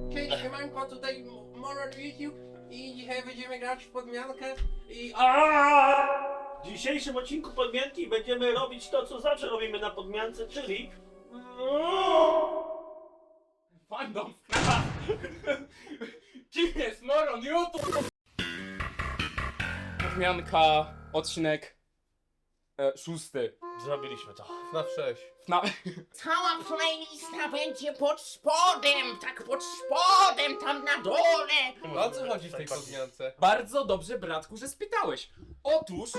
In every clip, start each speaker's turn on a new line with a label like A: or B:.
A: Cześć, siemanko, tutaj Moron YouTube i dzisiaj będziemy grać w podmiankę i...
B: W dzisiejszym odcinku podmianki będziemy robić to, co zawsze robimy na podmiance, czyli...
A: Fandom sprawa! Kim jest Moron YouTube? Podmianka, odcinek 6.
B: Zrobiliśmy to.
C: Na 6.
D: Cała playlista będzie pod spodem, tak pod spodem, tam na dole.
C: O co chodzi w tej podmiance?
A: Bardzo dobrze, bratku, że spytałeś. Otóż...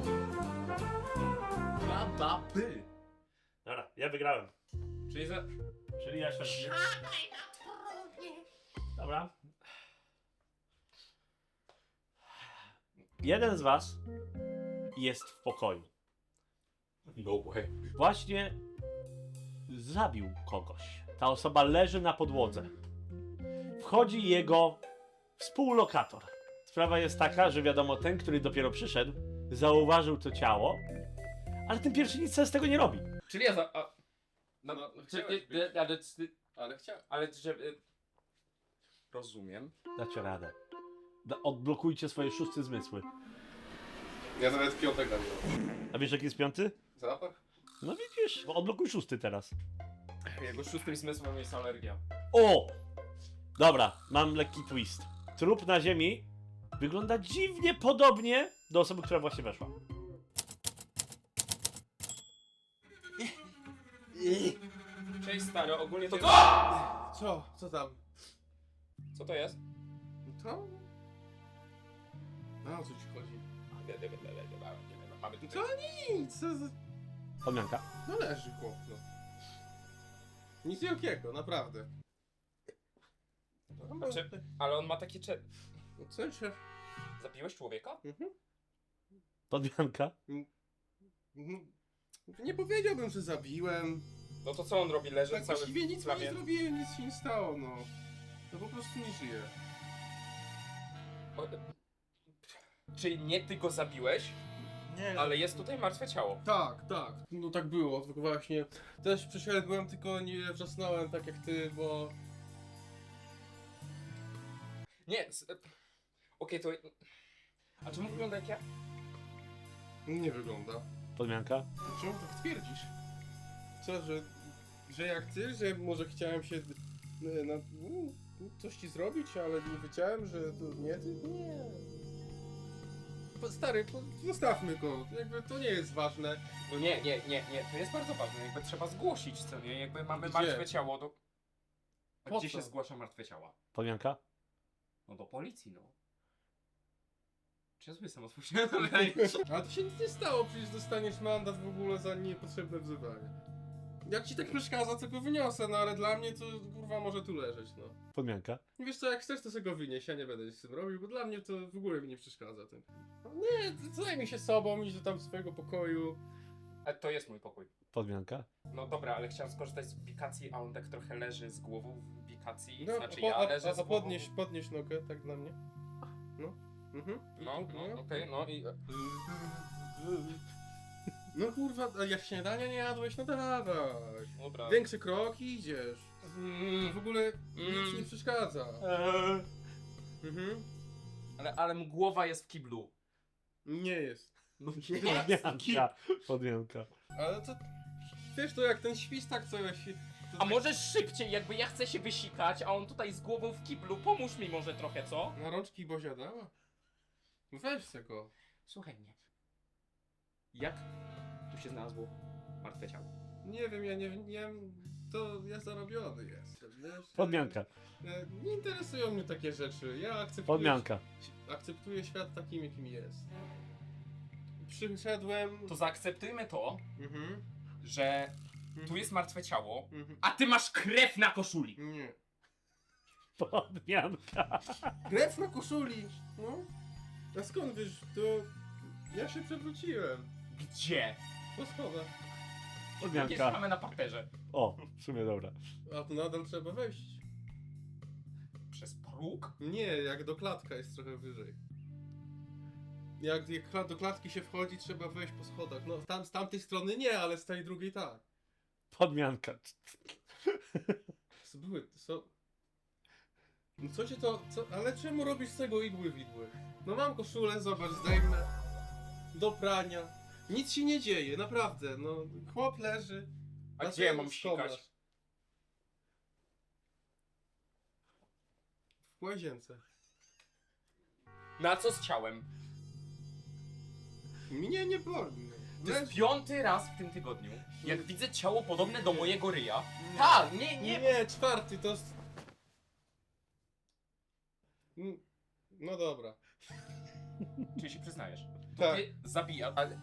A: Babapy.
B: Dobra, ja wygrałem.
A: Czyli za...
B: Czyli ja się...
D: Siadaj na trumnie.
B: Dobra. Jeden z was jest w pokoju.
A: No way.
B: Właśnie zabił kogoś. Ta osoba leży na podłodze. Wchodzi jego współlokator. Sprawa jest taka, że wiadomo, ten, który dopiero przyszedł, zauważył to ciało, ale ten pierwszy nic z tego nie robi.
A: Czyli ja za...
C: chciałeś być. Ale chciałem.
A: Ale że... Rozumiem.
B: Dacie radę. Odblokujcie swoje szóste zmysły.
C: Ja nawet piątego nie mam.
B: A wiesz, jaki jest piąty?
C: Zapach?
B: No widzisz, odblokuj szósty teraz.
A: Jego szóstym zmysłem jest alergia.
B: O! Dobra, mam lekki twist. Trup na ziemi wygląda dziwnie podobnie do osoby, która właśnie weszła.
A: Cześć stary, ogólnie to...
C: Co? Co tam?
A: Co to jest?
C: To? No o co ci chodzi?
A: Mamy
C: Co
A: tutaj...
C: nic? Co za...
B: Podmianka.
C: No leży chłop, no. Nic wielkiego, naprawdę.
A: Znaczy, ale on ma takie
C: No co się...
A: Zabiłeś człowieka?
C: Mhm.
B: Podmianka.
C: Mhm. Nie powiedziałbym, że zabiłem.
A: No to co on robi? Leży
C: Tak
A: cały
C: właściwie
A: w
C: nic mu
A: plamie?
C: nie zrobiłem, nic się nie stało, no. No po prostu nie żyje.
A: O, czyli nie ty go zabiłeś,
B: Nie,
A: ale jest tutaj martwe ciało.
C: Tak, tak. No tak było, tylko właśnie też przeszedłem, tylko nie wrzasnąłem tak jak ty, bo...
A: Nie, okej, to... A czemu wygląda jak ja?
C: Nie wygląda.
B: Podmianka.
C: Czemu tak twierdzisz? Co, że jak ty, że może chciałem się coś ci zrobić, ale nie wiedziałem, że to nie ty? Nie. Stary, zostawmy go, jakby to nie jest ważne.
A: No nie, to jest bardzo ważne, jakby trzeba zgłosić, co nie? Jakby mamy
C: Gdzie?
A: martwe ciało, to... A
C: Po
A: gdzie
C: co?
A: się zgłasza martwe ciała?
B: Podmianka.
A: No do policji, no. Czy ja sobie sam odpowiedziałem na pytanie?
C: Ale to się nic nie stało, przecież dostaniesz mandat w ogóle za niepotrzebne wzywanie. Jak ci tak przeszkadza, to go wyniosę, no ale dla mnie to kurwa może tu leżeć, no.
B: Podmianka.
C: Wiesz co, jak chcesz, to sobie go wynieś, ja nie będę nic z tym robił, bo dla mnie to w ogóle mi nie przeszkadza tym. No nie, zajmij się sobą, idź do tam swojego pokoju.
A: A to jest mój pokój.
B: Podmianka.
A: No dobra, ale chciałem skorzystać z ubikacji, a on tak trochę leży z głową w ubikacji.
C: No,
A: Znaczy ja leżę z
C: a
A: głową...
C: podnieś nogę, tak dla mnie. No. Mhm.
A: No, okej, no i...
C: No kurwa, a jak śniadania nie jadłeś, no dawaj.
A: Dobra.
C: Większy krok i idziesz. W ogóle nic nie przeszkadza. Mhm.
A: Ale głowa jest w kiblu.
C: Nie jest.
A: No
B: Podmianka. Podmianka.
C: Ale to... Wiesz, to jak ten świstak, co ja się... to
A: A
C: tak-
A: możesz szybciej, jakby ja chcę się wysikać, a on tutaj z głową w kiblu. Pomóż mi może trochę, co?
C: Na rączki Bozia dała? Weź se go.
A: Słuchaj mnie. Jak tu się znalazło martwe ciało?
C: Nie wiem, ja nie wiem, to ja zarobiony jestem, wiesz?
B: Podmianka.
C: Nie interesują mnie takie rzeczy, ja
B: Podmianka.
C: akceptuję świat takim, jakim jest. Przyszedłem...
A: To zaakceptujmy to,
C: Mhm.
A: że tu jest martwe ciało,
C: Mhm.
A: a ty masz krew na koszuli.
C: Nie.
B: Podmianka.
C: Krew na koszuli! No? A skąd wiesz, to... Ja się przewróciłem.
A: Gdzie?
C: Po schodach.
A: Jakieś
B: Podmianka.
A: mamy na parterze.
B: O, w sumie dobra.
C: A tu nadal trzeba wejść.
A: Przez próg?
C: Nie, jak do klatka jest trochę wyżej. Jak do klatki się wchodzi, trzeba wejść po schodach. No tam, z tamtej strony nie, ale z tej drugiej tak.
B: Podmianka.
C: Były, No co cię to... Ale czemu robisz z tego igły widły? No mam koszulę, zobacz, zdejmę. Do prania. Nic się nie dzieje, naprawdę, no. Chłop leży.
E: A
C: Na
E: gdzie ja
C: co
E: mam
C: skomasz?
E: sikać?
C: W łazience.
E: Na co z ciałem?
C: Mnie nie boli. no.
E: To jest
C: Leży.
E: 5. raz w tym tygodniu, jak widzę ciało podobne do mojego ryja. Tak, nie.
C: Nie, 4, to jest... No dobra.
E: Czyli się przyznajesz.
C: Tak.
E: Ty zabija, ale...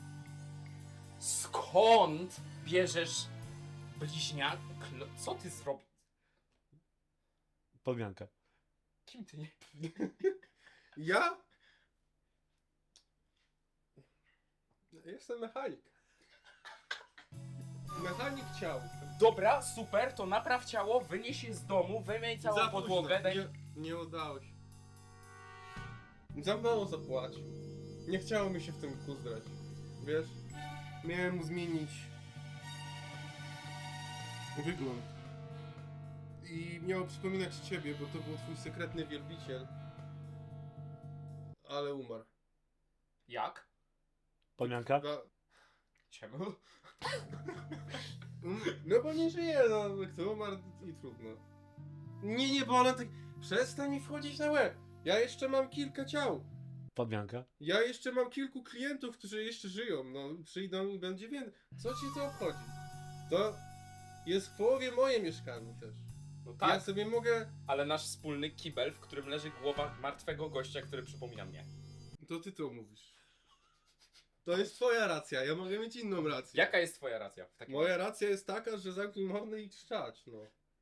E: Skąd bierzesz bliźniak? Co ty zrobisz?
B: Podmianka.
E: Kim ty nie...
C: Ja? Jestem mechanik. Mechanik ciał.
E: Dobra, super, to napraw ciało, wynieś je z domu, wymyj całą
C: Za
E: podłogę,
C: późno.
E: daj...
C: Nie udało się. Za mało zapłacił. Nie chciało mi się w tym kuzdrać. Wiesz? Miałem mu zmienić wygląd. I miało przypominać ciebie, bo to był twój sekretny wielbiciel. Ale umarł.
E: Jak?
B: Podmianka?
E: Czemu?
C: No bo nie żyje, no. Kto umarł i trudno. Nie, bo ona tak... Przestań mi wchodzić na łeb. Ja jeszcze mam kilka ciał.
B: Podmianka?
C: Ja jeszcze mam kilku klientów, którzy jeszcze żyją. No, przyjdą i będzie więcej. Co ci to obchodzi? To jest w połowie moje mieszkanie też.
E: No tak,
C: Ja sobie mogę...
E: ale nasz wspólny kibel, w którym leży głowa martwego gościa, który przypomina mnie.
C: To ty to mówisz. To jest twoja racja, ja mogę mieć inną rację.
E: Jaka jest twoja racja w takim
C: Moja
E: razie?
C: racja jest taka, że zamknij mordę i trzać, no.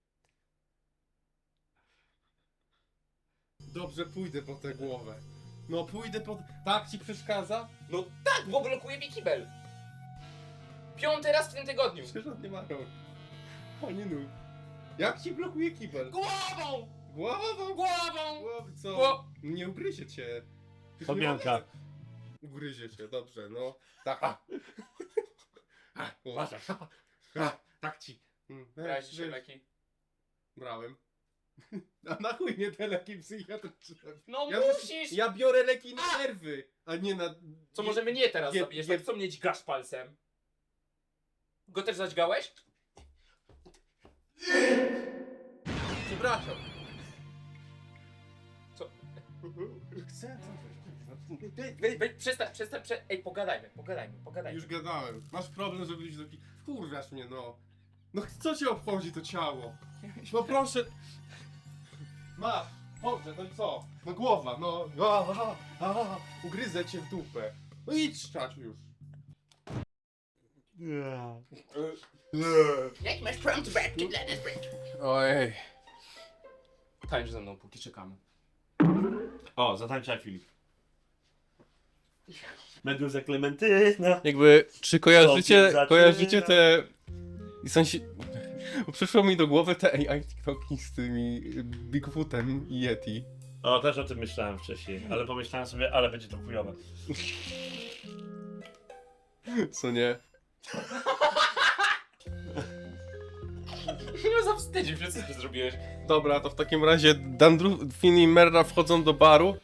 C: Dobrze, pójdę po tę głowę. No pójdę po... Tak ci przeszkadza?
E: No tak, bo blokuje mi kibel! 5. raz w tym tygodniu!
C: Przecież on nie ma rąk. Ani nóg. Jak ci blokuje kibel?
E: Głową!
C: Głową!
E: Głową!
C: Głowy, co?
E: Gło-
C: Nie ugryzie cię. Już
B: Podmianka.
C: nie ugryzie cię, dobrze, no. Tak. Uważaj. Tak ci.
E: Brałeś dzisiaj leki?
C: Brałem. A na chuj nie te leki psychiatryczne?
E: No
C: Ja
E: musisz!
C: Ja biorę leki na nerwy, a nie na...
E: Co może mnie teraz
C: Je-
E: zabijesz?
C: je-
E: Tak co mnie dźgasz palcem? Go też zadźgałeś?
C: Przepraszam.
E: Co?
C: Chcę
E: Weź, przestań, ej, pogadajmy.
C: Już gadałem. Masz problem, żeby iść do Wkurwiasz mnie, no. No co cię obchodzi to ciało? No proszę. Masz. Dobrze, no i co? No głowa, no. Ugryzę cię w dupę. No idź szczać już.
B: Nie.
D: Jak masz prompt back to Gladys Break?
C: Ojej.
E: Tańcz ze mną, póki czekamy.
B: O, zatańczaj Filip. Meduza Klementyna.
C: Jakby, czy
B: kojarzycie- kojarzycie
C: te... I przyszło mi do głowy te AI TikToki z tymi Bigfootem i Yeti.
B: O, też o tym myślałem wcześniej, ale pomyślałem sobie, ale będzie to chujowe.
C: Co nie?
E: No zawstydził się, co ty zrobiłeś?
C: Dobra, to w takim razie Dandrufin i Merra wchodzą do baru.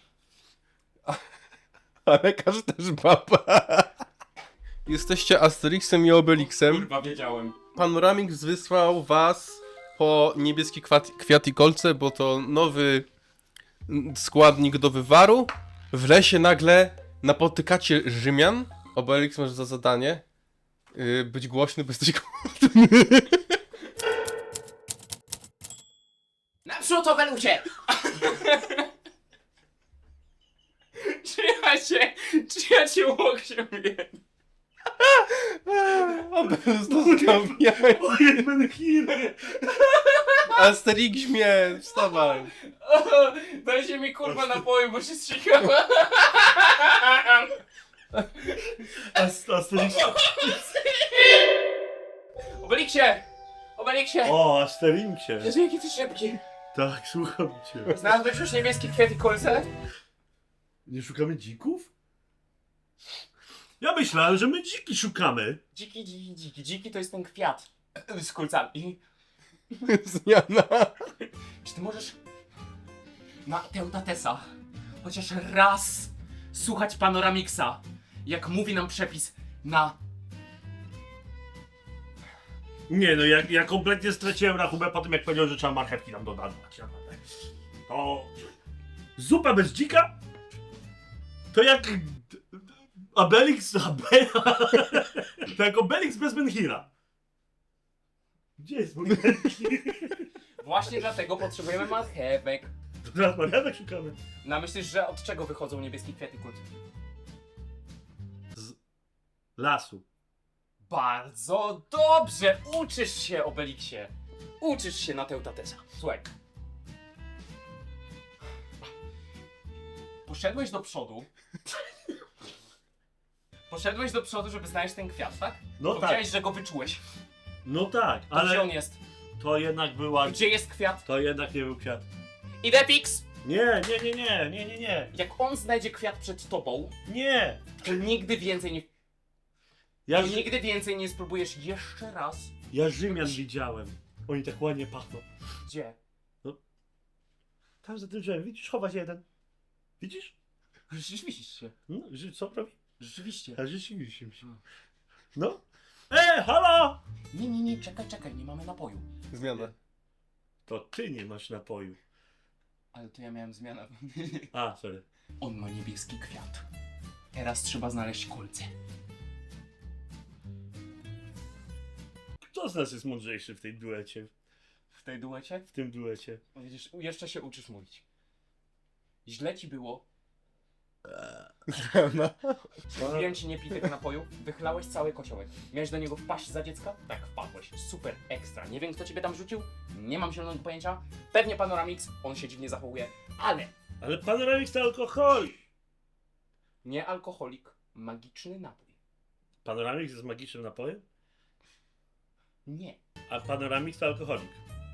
C: A lekarz też baba. Jesteście Asterixem i Obelixem.
E: Kurwa, wiedziałem.
C: Panoramix wysłał was po niebieski kwiat i kolce, bo to nowy składnik do wywaru. W lesie nagle napotykacie Rzymian. Obelix masz za zadanie być głośny, bo jesteś głodny.
D: Naprzód, Obelusie!
E: Czy ja cię łokciem wiem?
C: Obelix dostał jaj.
B: Ojej, będę killer!
C: Asterix mnie, wstawaj.
E: Dajcie mi kurwa napoju, bo się strzykam.
B: Asterix.
E: Obeliksie!
B: O, Asterixie.
E: Jezu, jaki ty szybki.
B: Tak, słucham cię.
E: Znalazłeś już niebieskie kwiaty kolce?
B: Nie szukamy dzików? Ja myślałem, że my dziki szukamy.
E: Dziki to jest ten kwiat. Z kolcami.
C: Zmiana.
E: Czy ty możesz na Teutatesa chociaż raz słuchać Panoramiksa, jak mówi nam przepis na...
B: Nie no, ja kompletnie straciłem rachubę po tym, jak powiedział, że trzeba marchewki tam dodawać. To... Zupa bez dzika? To jak... Obelix... To jak Obelix bez Menhira. Gdzie jest mój Menhir?
E: Właśnie dlatego potrzebujemy marchewek.
B: To teraz marchewek szukamy.
E: No, myślisz, że od czego wychodzą niebieskie kwiaty kult?
B: Z lasu.
E: Bardzo dobrze! Uczysz się, Obelixie! Uczysz się na Teutatesa. Słuchaj. Poszedłeś do przodu. Poszedłeś do przodu, żeby znaleźć ten kwiat, tak?
B: No
E: Powiedziałeś,
B: tak.
E: że go wyczułeś.
B: No tak,
E: To gdzie on
B: ale
E: jest?
B: to jednak była...
E: Gdzie jest kwiat?
B: To jednak nie był kwiat.
E: Idepix!
B: Nie.
E: Jak on znajdzie kwiat przed tobą,
B: Nie.
E: to nigdy więcej nie...
B: Ja,
E: To nigdy więcej nie spróbujesz jeszcze raz.
B: ja Rzymian widziałem. Oni tak ładnie pachną.
E: Gdzie?
B: Tam za tym drzewem, widzisz? Chowa się jeden. Widzisz?
E: Rzeczywiście.
B: No, co robi?
E: Rzeczywiście.
B: A rzeczywiście. No. Halo!
E: Nie, czekaj, nie mamy napoju.
C: Zmiana.
B: To ty nie masz napoju.
E: Ale to ja miałem zmianę.
B: A, sorry.
E: On ma niebieski kwiat. Teraz trzeba znaleźć kolce.
B: Kto z nas jest mądrzejszy w tej duecie?
E: W tej duecie?
B: W tym duecie.
E: Widzisz, jeszcze się uczysz mówić. Źle ci było.
C: Zmiana.
E: Mówiłem ci nie pij tego napoju. Wychlałeś cały kociołek. Miałeś do niego wpaść za dziecka? Tak, wpadłeś. Super, ekstra. Nie wiem, kto ciebie tam rzucił. Nie mam zielonego pojęcia. Pewnie Panoramix. On się dziwnie zachowuje. Ale
B: Ale Panoramix to alkohol!
E: nie alkoholik. Magiczny napój.
B: Panoramix jest magicznym napojem?
E: Nie.
B: A Panoramix to alkoholik.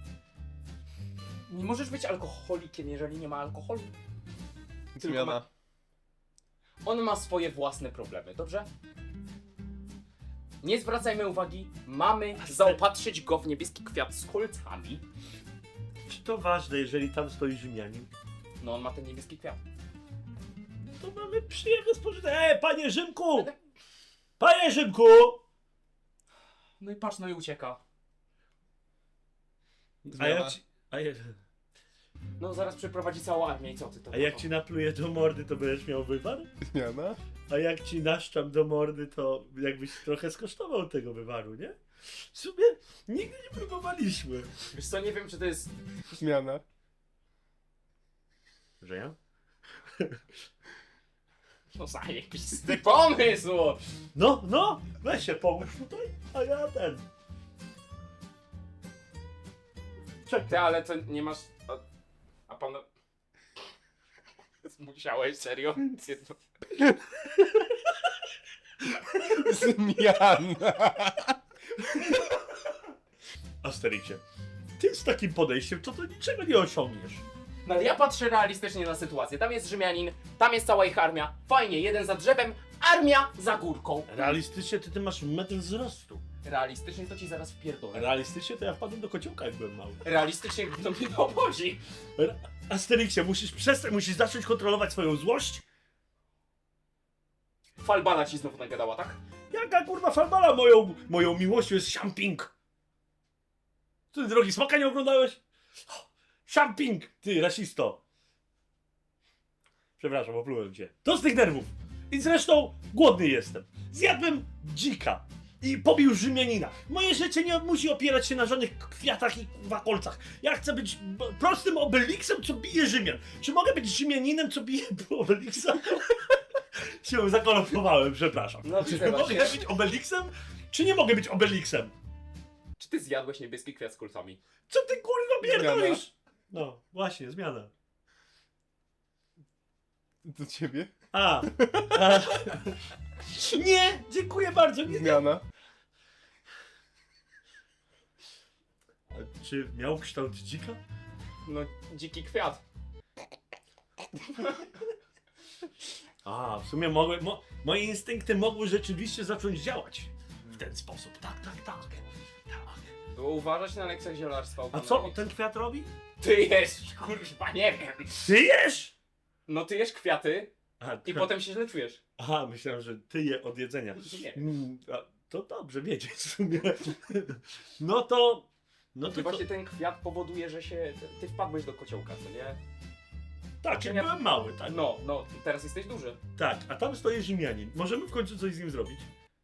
E: Nie możesz być alkoholikiem, jeżeli nie ma alkoholu.
C: Zmiana.
E: On ma swoje własne problemy, dobrze? Nie zwracajmy uwagi, mamy zaopatrzyć go w niebieski kwiat z kolcami.
B: Czy to ważne, jeżeli tam stoi Rzymianin?
E: No on ma ten niebieski kwiat.
B: To mamy przyjemne spożytek. Panie Rzymku! Panie Rzymku!
E: No i patrz, no i ucieka.
B: A jak
C: Zmiana.
B: ci... A jak...
E: No zaraz przyprowadzi całą armię i co ty to?
B: A jak ci napluję do mordy, to będziesz miał wywar?
C: Zmiana.
B: A jak ci naszczam do mordy, to jakbyś trochę skosztował tego wywaru, nie? W sumie nigdy nie próbowaliśmy.
E: Wiesz co, nie wiem czy to jest...
C: Zmiana.
B: Że ja?
E: No zajebisty pomysł!
B: No, weź się pomóż tutaj, a ja ten. Czekaj.
E: Ty, ale to nie masz... A pan... Musiałeś, serio?
C: Zmiana.
B: Asterixie, ty z takim podejściem to niczego nie osiągniesz.
E: No ale ja patrzę realistycznie na sytuację. Tam jest Rzymianin, tam jest cała ich armia. Fajnie, jeden za drzewem, armia za górką.
B: Realistycznie ty masz metr wzrostu.
E: Realistycznie to ci zaraz wpierdolę.
B: Realistycznie to ja wpadłem do kociołka, jak byłem mały.
E: Realistycznie to mnie nie obchodzi.
B: Asterixie, musisz zacząć kontrolować swoją złość.
E: Falbana ci znowu nagadała, tak?
B: Jaka kurwa falbala moją miłością jest Shamping. Ty drogi smoka nie oglądałeś? Shamping, ty rasisto. Przepraszam, oplułem cię. To z tych nerwów. I zresztą głodny jestem. Zjadłem dzika i pobił Rzymianina. Moje życie nie musi opierać się na żadnych kwiatach i kurwa kolcach. Ja chcę być prostym Obelixem, co bije Rzymian. Czy mogę być Rzymianinem, co bije Obelixa? Się zakolopowałem, przepraszam.
E: No,
B: Czy
E: chyba
B: mogę
E: się.
B: być Obelixem, czy nie mogę być Obelixem?
E: Czy ty zjadłeś niebieski kwiat z kulcami?
B: Co ty kurwa pierdolisz? No, właśnie, zmiana.
C: Do ciebie.
B: A. Nie, dziękuję bardzo. Nie.
C: Zmiana.
B: A czy miał kształt dzika?
E: No, dziki kwiat.
B: A, w sumie moje instynkty mogły rzeczywiście zacząć działać w ten sposób. Tak.
E: Było uważać na lekcjach zielarstwa.
B: A co ten kwiat robi?
E: Ty jesz, kurwa, nie wiem.
B: Ty jesz?
E: No ty jesz kwiaty
B: A,
E: i potem się źle czujesz.
B: Aha, myślałem, że ty je od jedzenia.
E: Nie.
B: A, to dobrze wiedzieć w sumie. No to... No
E: I
B: to
E: właśnie ten kwiat powoduje, że się... Ty wpadłeś do kociołka, co nie?
B: tak, ja byłem mały, tak?
E: No, teraz jesteś duży.
B: Tak, a tam stoi Rzymianin. Możemy w końcu coś z nim zrobić?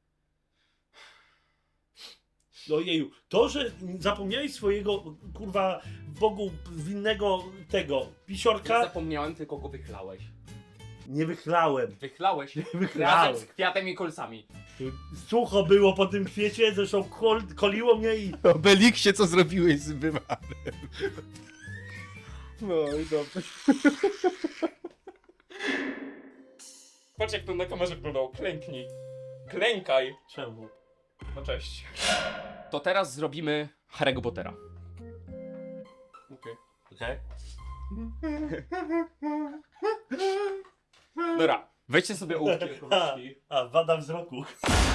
B: Ojeju, to, że zapomniałeś swojego, kurwa, Bogu winnego tego,
E: Nie
B: pisiorka,
E: zapomniałem, tylko go wychlałeś.
B: nie wychlałem.
E: Wychlałeś
B: Wychlałem.
E: razem z kwiatem i kolcami.
B: Sucho było po tym kwiecie, zresztą koliło mnie i...
C: Obeliksie, co zrobiłeś z wywarem? No i dobrze.
E: Patrz jak to na kamerze wyglądało, klęknij. Klękaj.
B: Czemu?
E: No cześć. To teraz zrobimy Harry'ego Pottera.
C: Okej.
B: Okej.
E: Dobra, wejdźcie sobie ołówki.
B: A, wada wzroku.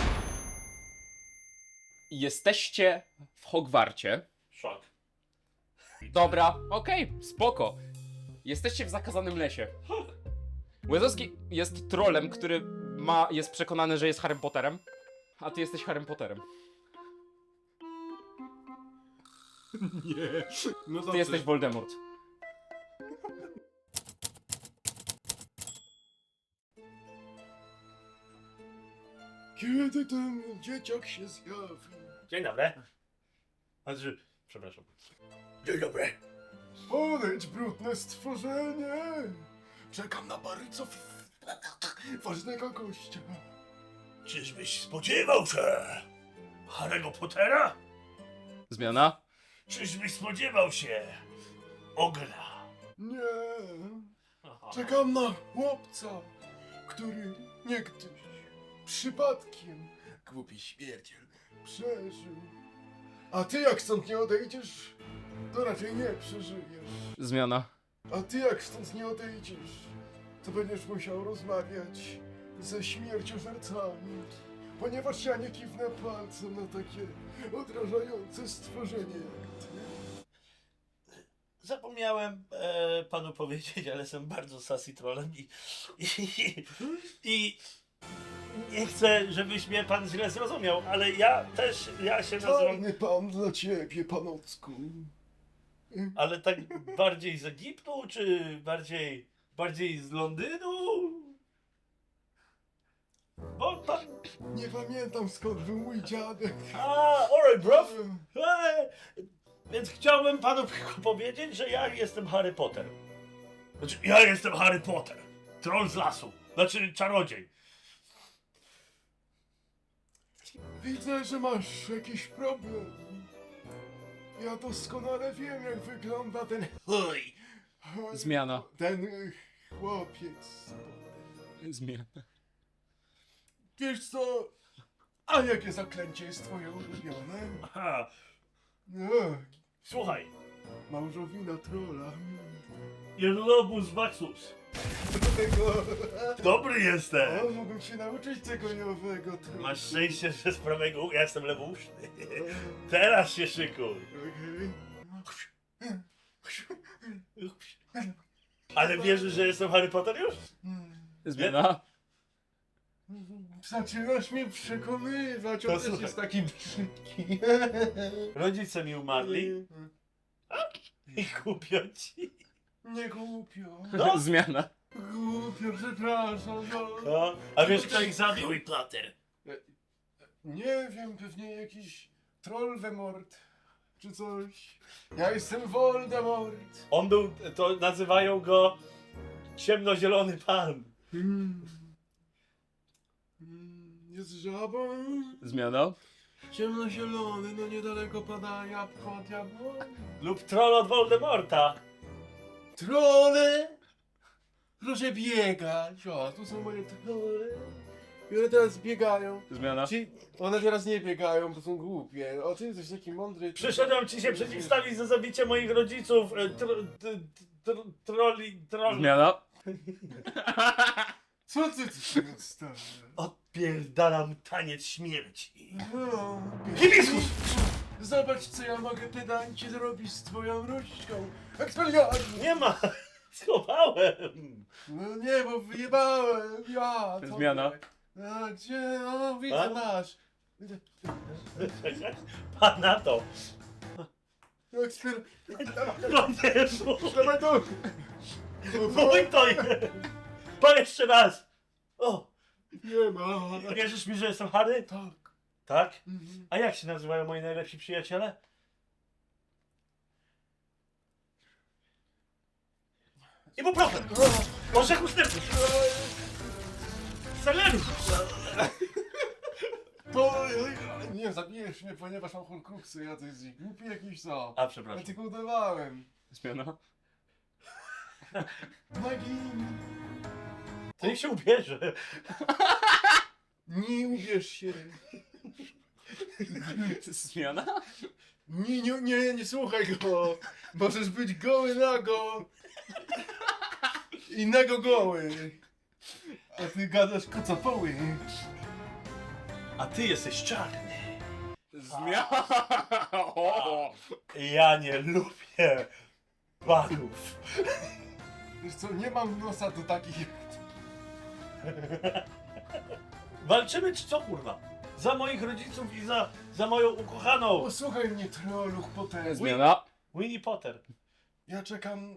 E: Jesteście w Hogwarcie.
B: Szok.
E: Dobra, okej, spoko. Jesteście w zakazanym lesie. Łezowski jest trolem, który jest przekonany, że jest Harrym Potterem, a ty jesteś Harrym Potterem.
C: Nie. No
E: Ty jesteś Voldemort.
C: Kiedy ten dzieciak się zjawi?
B: Dzień dobry. Znaczy, przepraszam. Dzień dobry.
C: Podejdź, brudne stworzenie! Czekam na bardzo ważnego gościa.
B: Czyżbyś spodziewał się Harry'ego Pottera?
E: Zmiana?
B: Czyżbyś spodziewał się Ogla?
C: Nie, czekam na chłopca, który niegdyś przypadkiem, głupi śmierciel, przeżył. A ty jak stąd nie odejdziesz, to raczej nie przeżyjesz.
E: Zmiana.
C: A ty jak stąd nie odejdziesz, to będziesz musiał rozmawiać ze śmierciożercami. Ponieważ ja nie kiwnę palcem na takie odrażające stworzenie jak ty.
B: Zapomniałem panu powiedzieć, ale jestem bardzo sassy trollem i nie chcę, żebyś mnie pan źle zrozumiał, ale ja się nazywam,
C: Czarny pan dla ciebie, panocku.
B: ale tak bardziej z Egiptu, czy bardziej z Londynu? Bo pan...
C: Nie pamiętam skąd był mój dziadek.
B: Alright bro. Więc chciałbym panu tylko powiedzieć, że ja jestem Harry Potter. Znaczy, ja jestem Harry Potter. Troll z lasu. Znaczy, czarodziej.
C: Widzę, że masz jakiś problem. Ja doskonale wiem, jak wygląda ten...
B: Oj.
E: Zmiana.
C: Ten chłopiec.
E: Zmiana.
C: Wiesz co? A jakie zaklęcie jest twoje ulubione?
B: Aha.
C: No,
B: Słuchaj.
C: małżowina trola.
B: Jedlobus Maxus.
C: Tego...
B: Dobry jestem.
C: O, mógłbym się nauczyć tego nowego trola.
B: Masz szczęście, że z prawego ja jestem lewouszny. Teraz się szykuj.
C: Okej.
B: Ale wierzysz, że jestem Harry Potter już?
E: Zmiana.
C: Zaczynasz mnie przekonywać,
B: To
C: on też
B: słuchaj.
C: jest taki brzydki.
B: Rodzice mi umarli i kupią ci.
C: Nie głupio.
B: No.
E: Zmiana.
C: Głupio, przepraszam. No.
B: No, a wiesz kto ich zabił? Harry Potter.
C: Nie wiem, pewnie jakiś Trollvemort czy coś. Ja jestem Voldemort.
B: On był, to nazywają go ciemnozielony pan.
C: Jest żabą.
E: Zmiana.
C: Ciemnozielony, no niedaleko pada jabłko od jabłoni.
B: Lub troll od Voldemorta.
C: Trolle! Proszę biegać. O, tu są moje trolle. I one teraz biegają.
E: Zmiana.
C: Ci, one teraz nie biegają, bo są głupie. O, ty jesteś taki mądry.
B: Przyszedłem ci się przeciwstawić za zabicie moich rodziców. Trolli.
E: Zmiana.
C: Co ty się starasz?
B: Odpierdalam taniec śmierci.
C: No,
B: Hibiskus!
F: Zobacz, co ja mogę pedancie zrobić z twoją różdżką. Ekspeliarnie!
B: Nie ma! Schowałem!
F: No nie, bo wyjebałem. Ja, to
E: Zmiana.
F: A gdzie? O, widzę,
B: A?
F: masz.
B: Pan na to!
F: Ekspel...
B: No nie, mów!
F: Dawaj tu!
B: Mój to jest! Pan jeszcze raz! O!
F: Nie ma.
B: Wierzysz mi, że jestem Harry?
F: Tak.
B: Tak?
F: Mhm.
B: A jak się nazywają moi najlepsi przyjaciele? Ibuprofen! Może ustępny! Seleru!
F: To... Nie, zabijesz mnie, ponieważ mam horcruxy, ja to jest głupi jakiś co.
B: A,
F: Ja
B: przepraszam.
F: tylko udawałem.
E: Zmiana.
F: Magii.
B: To niech się ubierze.
F: Nie uwierz się.
E: Zmiana?
F: Nie słuchaj go. Możesz być goły nago. I nago goły. A ty gadasz kocopoły.
B: A ty jesteś czarny.
E: Zmiana! O!
B: Ja nie lubię panów.
F: Wiesz co, nie mam nosa do takich...
B: Walczymy czy co kurwa? Za moich rodziców i za moją ukochaną
F: Posłuchaj mnie, troluch potężny.
E: Zmiana.
B: Winnie Potter.
F: Ja czekam...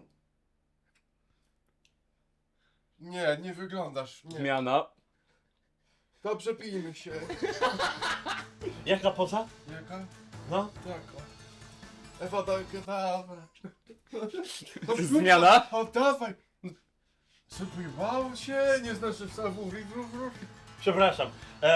F: Nie wyglądasz. Nie.
E: Zmiana.
F: Dobrze, pijmy się.
B: Jaka poza?
F: Jaka?
B: No.
F: Taka. Ewa, dawaj.
E: Zmiana.
F: O, dawaj. Zapływało się, nie znasz wstawu.
B: Przepraszam.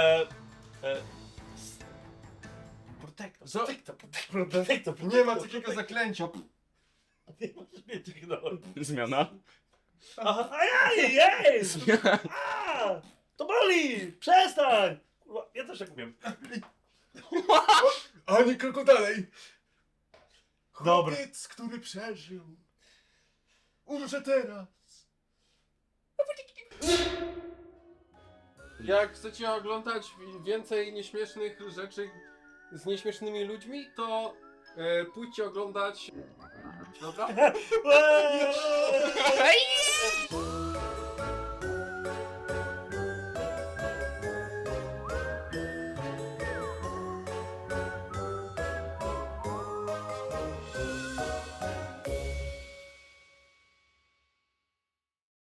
B: Protector.
F: Co?
B: Protector.
F: Nie ma takiego zaklęcia.
B: Nie możesz mnie tygnąć.
E: Zmiana.
B: Aha, jej! A! To boli! Przestań! Kurwa, ja też tak umiem.
F: Ani kroku dalej.
B: Dobra.
F: Chłopiec, który przeżył. Umrze teraz. Jak chcecie oglądać więcej nieśmiesznych rzeczy z nieśmiesznymi ludźmi, to pójdźcie oglądać... Dobra?
B: Eee!